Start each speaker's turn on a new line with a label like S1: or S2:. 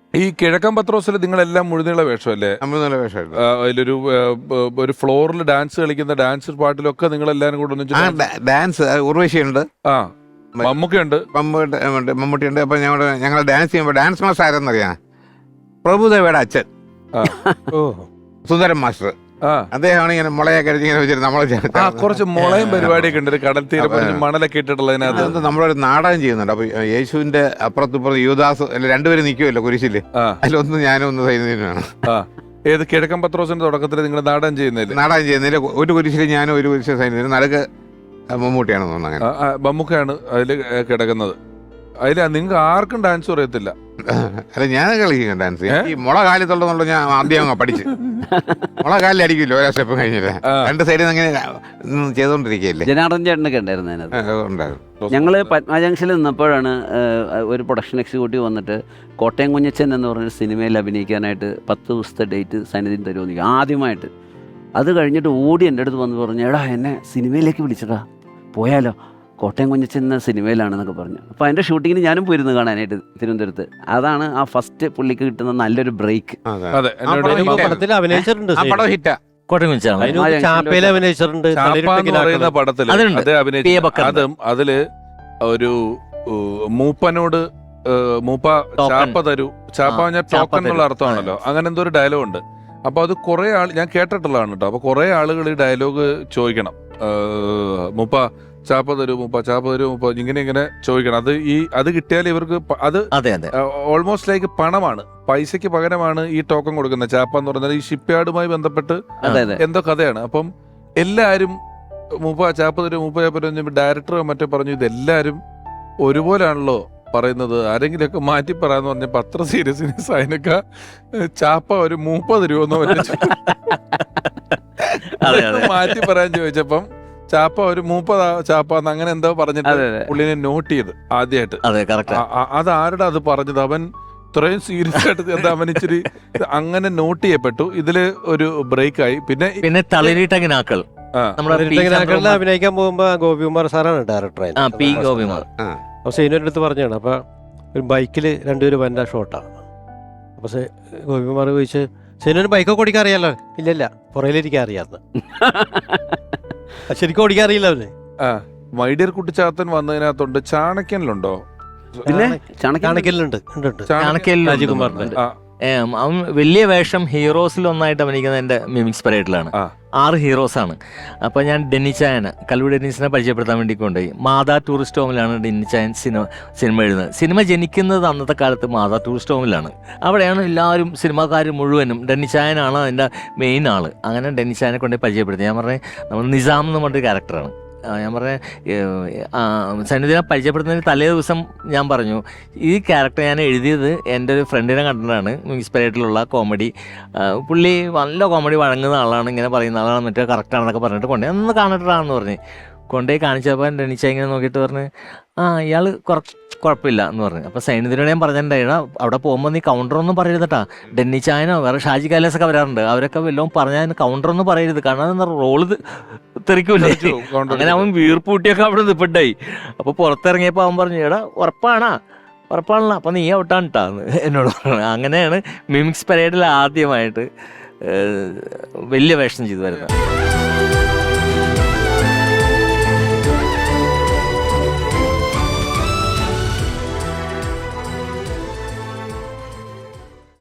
S1: ഈ കിഴക്കൻ പത്രോസിൽ നിങ്ങളെല്ലാം മുഴുനീള വേഷമല്ലേ?
S2: മുഴുനീള വേഷമായിരുന്നു.
S1: അതിലൊരു ഒരു ഫ്ലോറിൽ ഡാൻസ് കളിക്കുന്ന ഡാൻസ് പാട്ടിലൊക്കെ നിങ്ങളെല്ലാരും കൂടെ
S2: ഡാൻസ് ഉർവശിയുണ്ട്,
S1: മമ്മൂക്കയുണ്ട്,
S2: മമ്മൂട്ടിയുണ്ട്. അപ്പൊ ഞങ്ങൾ ഡാൻസ് ചെയ്യുമ്പോൾ ഡാൻസ് മാസ്റ്റർ ആരെന്നറിയാം? പ്രഭുദേവയുടെ അച്ഛൻ സുന്ദരൻ മാസ്റ്റർ. അദ്ദേഹമാണ് ഇങ്ങനെ മുളയൊക്കെ ഇങ്ങനെ വെച്ചിട്ട് നമ്മളെ
S1: കുറച്ച് മുളയും പരിപാടിയൊക്കെ ഉണ്ട്, കടൽ തീരം മണലൊക്കെ ഇട്ടിട്ടുള്ളതിനകത്ത്
S2: നമ്മളൊരു നാടകം ചെയ്യുന്നുണ്ട്. അപ്പൊ യേശുവിന്റെ അപ്പുറത്തിപ്പുറത്ത് യുവദാസ് രണ്ടുപേരും നിൽക്കുമല്ലോ കുരിശില്, അതിലൊന്ന് ഞാനും ഒന്ന് സൈന്യനാണ്.
S1: ഏത് കിഴക്കൻ പത്രോസിന്റെ തുടക്കത്തിൽ നിങ്ങൾ നാടകം
S2: ചെയ്യുന്നില്ല? ഒരു കുരിശില് ഞാനും ഒരു കുരിശിൽ സൈന്യനും, നടുക്ക് മമ്മൂട്ടിയാണെന്ന് തോന്നുന്നു.
S1: മമ്മൂക്കയാണ് അതിൽ കിടക്കുന്നത്. അതിൽ നിങ്ങൾക്ക് ആർക്കും ഡാൻസ് അറിയത്തില്ല.
S2: അല്ല, ഞാൻ കളിക്കും ഡാൻസ്. ഈ മുള കാലത്തുള്ള ഞാൻ ആദ്യം പഠിച്ചു. മുള കാലിൽ അടിക്കില്ലോ ഓരോ സ്റ്റെപ്പ് കഴിഞ്ഞില്ല, രണ്ട് സൈഡിൽ നിന്ന് അങ്ങനെ ചെയ്തോണ്ടിരിക്കുകയല്ലേ.
S3: ജനാർദ്ദൻ ചേട്ടനൊക്കെ ഉണ്ടായിരുന്നു. ഞങ്ങള് പത്മ ജംഗ്ഷനിൽ നിന്നപ്പോഴാണ് ഒരു പ്രൊഡക്ഷൻ എക്സിക്യൂട്ടീവ് വന്നിട്ട് കോട്ടയം കുഞ്ഞച്ചൻ എന്ന് പറഞ്ഞൊരു സിനിമയിൽ അഭിനയിക്കാനായിട്ട് 10 ദിവസത്തെ ഡേറ്റ് സന്നിധിയിൽ തരുമെന്ന് ആദ്യമായിട്ട്. അത് കഴിഞ്ഞിട്ട് ഓടി എൻ്റെ അടുത്ത് വന്ന് പറഞ്ഞു, എടാ എന്നെ സിനിമയിലേക്ക് വിളിച്ചടാ, പോയാലോ, കോട്ടയം കുഞ്ഞച്ചൻ എന്ന സിനിമയിലാണെന്നൊക്കെ പറഞ്ഞു. അപ്പോൾ അതിൻ്റെ ഷൂട്ടിങ്ങിന് ഞാനും പോയിരുന്നു കാണാനായിട്ട് തിരുവനന്തപുരത്ത്. അതാണ് ആ ഫസ്റ്റ് പുള്ളിക്ക് കിട്ടുന്ന നല്ലൊരു ബ്രേക്ക്.
S4: അഭിനയിച്ചിട്ടുണ്ട്
S1: അതില് ഒരു മൂപ്പനോട് മൂപ്പ ചാപ്പ തരൂ, ചാപ്പ പറഞ്ഞാൽ ടോക്കൺ എന്നുള്ള അർത്ഥമാണല്ലോ, അങ്ങനെ എന്തോ ഒരു ഡയലോഗ് ഉണ്ട്. അപ്പൊ അത് കുറെ ഞാൻ കേട്ടിട്ടുള്ളതാണ് കേട്ടോ. അപ്പൊ കുറെ ആളുകൾ ഈ ഡയലോഗ് ചോദിക്കണം, മൂപ്പ ചാപ്പ തരൂ, മൂപ്പ ഇങ്ങനെ ചോദിക്കണം. അത് കിട്ടിയാൽ ഇവർക്ക് അത് ഓൾമോസ്റ്റ് ലൈക്ക് പണമാണ്, പൈസക്ക് പകരമാണ് ഈ ടോക്കൺ കൊടുക്കുന്നത്. ചാപ്പ എന്ന് പറഞ്ഞാൽ ഈ ഷിപ്പ് യാർഡുമായി ബന്ധപ്പെട്ട് എന്തോ കഥയാണ്. അപ്പം എല്ലാരും മൂപ്പ ചാപ്പ തരൂ, മൂപ്പ ചാപ്പ തരൂ. ഡയറക്ടർ മറ്റേ പറഞ്ഞു ഇതെല്ലാരും ഒരുപോലാണല്ലോ പറയുന്നത്, ആരെങ്കിലുമൊക്കെ മാറ്റി പറയാന്ന് പറഞ്ഞപ്പോ അത്ര സീരിയസ്നെസ് അതിനൊക്കെ ചാപ്പ ഒരു 30 രൂപ മാറ്റി പറയാൻ ചോദിച്ചപ്പം ചാപ്പ ഒരു 30 ചാപ്പ അങ്ങനെ എന്തോ പറഞ്ഞിട്ട് പുള്ളിനെ നോട്ട് ചെയ്ത് ആദ്യമായിട്ട്. അത് ആരുടെ അത് പറഞ്ഞത്? അവൻ ഇത്രയും സീരിയസ് ആയിട്ട് എന്താ അവൻ ഇച്ചിരി അങ്ങനെ നോട്ട് ചെയ്യപ്പെട്ടു. ഇതില് ഒരു ബ്രേക്ക് ആയി. പിന്നെ
S4: തളിരിട്ടങ്ങനാക്കൾ അഭിനയിക്കാൻ പോകുമ്പോ ഗോപികുമാർ സാറാണ് ഡയറക്ടർ. അപ്പൊ സീനിയറിന്റെ അടുത്ത് പറഞ്ഞാണ്. അപ്പൊ ഒരു ബൈക്കില് രണ്ടുപേരും വന്ന ഷോട്ടാണ്. അപ്പൊ ഗോപികുമാർ ചോദിച്ച്, സീനിയറിന് ബൈക്കൊക്കെ ഓടിക്കാൻ അറിയാലോ? ഇല്ലല്ല, പുറയിലിരിക്കാൻ അറിയാന്ന്. ശരിക്കും ഓടിക്കാൻ അറിയില്ല അവന്.
S1: മൈഡിയർ കുട്ടിച്ചാത്തൻ വന്നതിനകത്തുണ്ട്. ചാണക്യനിലുണ്ടോ?
S3: പിന്നെ
S4: ചാണക്യനിലുണ്ട്, രാജകുമാറിന്റെ.
S5: അവൻ വലിയ വേഷം ഹീറോസിലൊന്നായിട്ട് അഭിനയിക്കുന്നത് എൻ്റെ മിമിക്സ് പരേഡിലാണ്. 6 ഹീറോസാണ്. അപ്പോൾ ഞാൻ ഡെന്നിച്ചായന് കല്ലൂർ ഡെന്നിസിനെ പരിചയപ്പെടുത്താൻ വേണ്ടി കൊണ്ടുപോയി. മാതാ ടൂറിസ്റ്റ് ഹോമിലാണ് ഡെന്നിച്ചായൻ സിനിമ എഴുതുന്നത്. സിനിമ ജനിക്കുന്നത് അന്നത്തെ കാലത്ത് മാതാ ടൂറിസ്റ്റ് ഹോമിലാണ്. അവിടെയാണ് എല്ലാവരും സിനിമാക്കാർ മുഴുവനും. ഡെന്നിച്ചായനാണ് അതിൻ്റെ മെയിൻ ആൾ. അങ്ങനെ ഡെന്നിച്ചായനെ കൊണ്ടുപോയി പരിചയപ്പെടുത്തി. ഞാൻ പറഞ്ഞത് നമ്മൾ നിസാം എന്ന് പറഞ്ഞൊരു ക്യാരക്ടറാണ്. ഞാൻ പറഞ്ഞ സന്നിധിനെ പരിചയപ്പെടുത്തുന്നതിന് തലേ ദിവസം ഞാൻ പറഞ്ഞു, ഈ ക്യാരക്ടർ ഞാൻ എഴുതിയത് എൻ്റെ ഒരു ഫ്രണ്ടിനെ കണ്ടിട്ടാണ്, ഇൻസ്പയറേറ്റിലുള്ള കോമഡി. പുള്ളി നല്ല കോമഡി വഴങ്ങുന്ന ആളാണ്, ഇങ്ങനെ പറയുന്ന ആളാണ്, മറ്റേ കറക്റ്റാണെന്നൊക്കെ പറഞ്ഞിട്ട് കൊണ്ടുപോയി ഒന്ന് കാണിട്ടാണെന്ന് പറഞ്ഞ് കൊണ്ടുപോയി കാണിച്ചപ്പോൾ ഡെന്നിച്ച ഇങ്ങനെ നോക്കിയിട്ട് പറഞ്ഞ്, ഇയാൾ കുഴപ്പമില്ല എന്ന് പറഞ്ഞു. അപ്പോൾ സൈനിധിനോട് ഞാൻ പറഞ്ഞിട്ടുണ്ടായിരുന്നു, അവിടെ പോകുമ്പോൾ നീ കൗണ്ടറൊന്നും പറയരുതട്ടാ, ഡെന്നിച്ചായനോ വേറെ ഷാജി കാലേസൊക്കെ വരാറുണ്ട്, അവരൊക്കെ വല്ലതും പറഞ്ഞാൽ കൗണ്ടറൊന്നും പറയരുത്, കാരണം അതെന്താ റോള് തെറിക്കൂല്ലേ. അങ്ങനെ അവൻ വീർപ്പൂട്ടിയൊക്കെ അവിടെ നിൽപ്പുണ്ടായി. അപ്പോൾ പുറത്തിറങ്ങിയപ്പോൾ അവൻ പറഞ്ഞു, ഉറപ്പാണല്ലോ, അപ്പം നീ ഔട്ടാണ് കേട്ടാന്ന് എന്നോട് പറഞ്ഞു. അങ്ങനെയാണ് മിമിക്സ് പരേഡിൽ ആദ്യമായിട്ട് വലിയ വേഷം ചെയ്തു വരുന്നത്.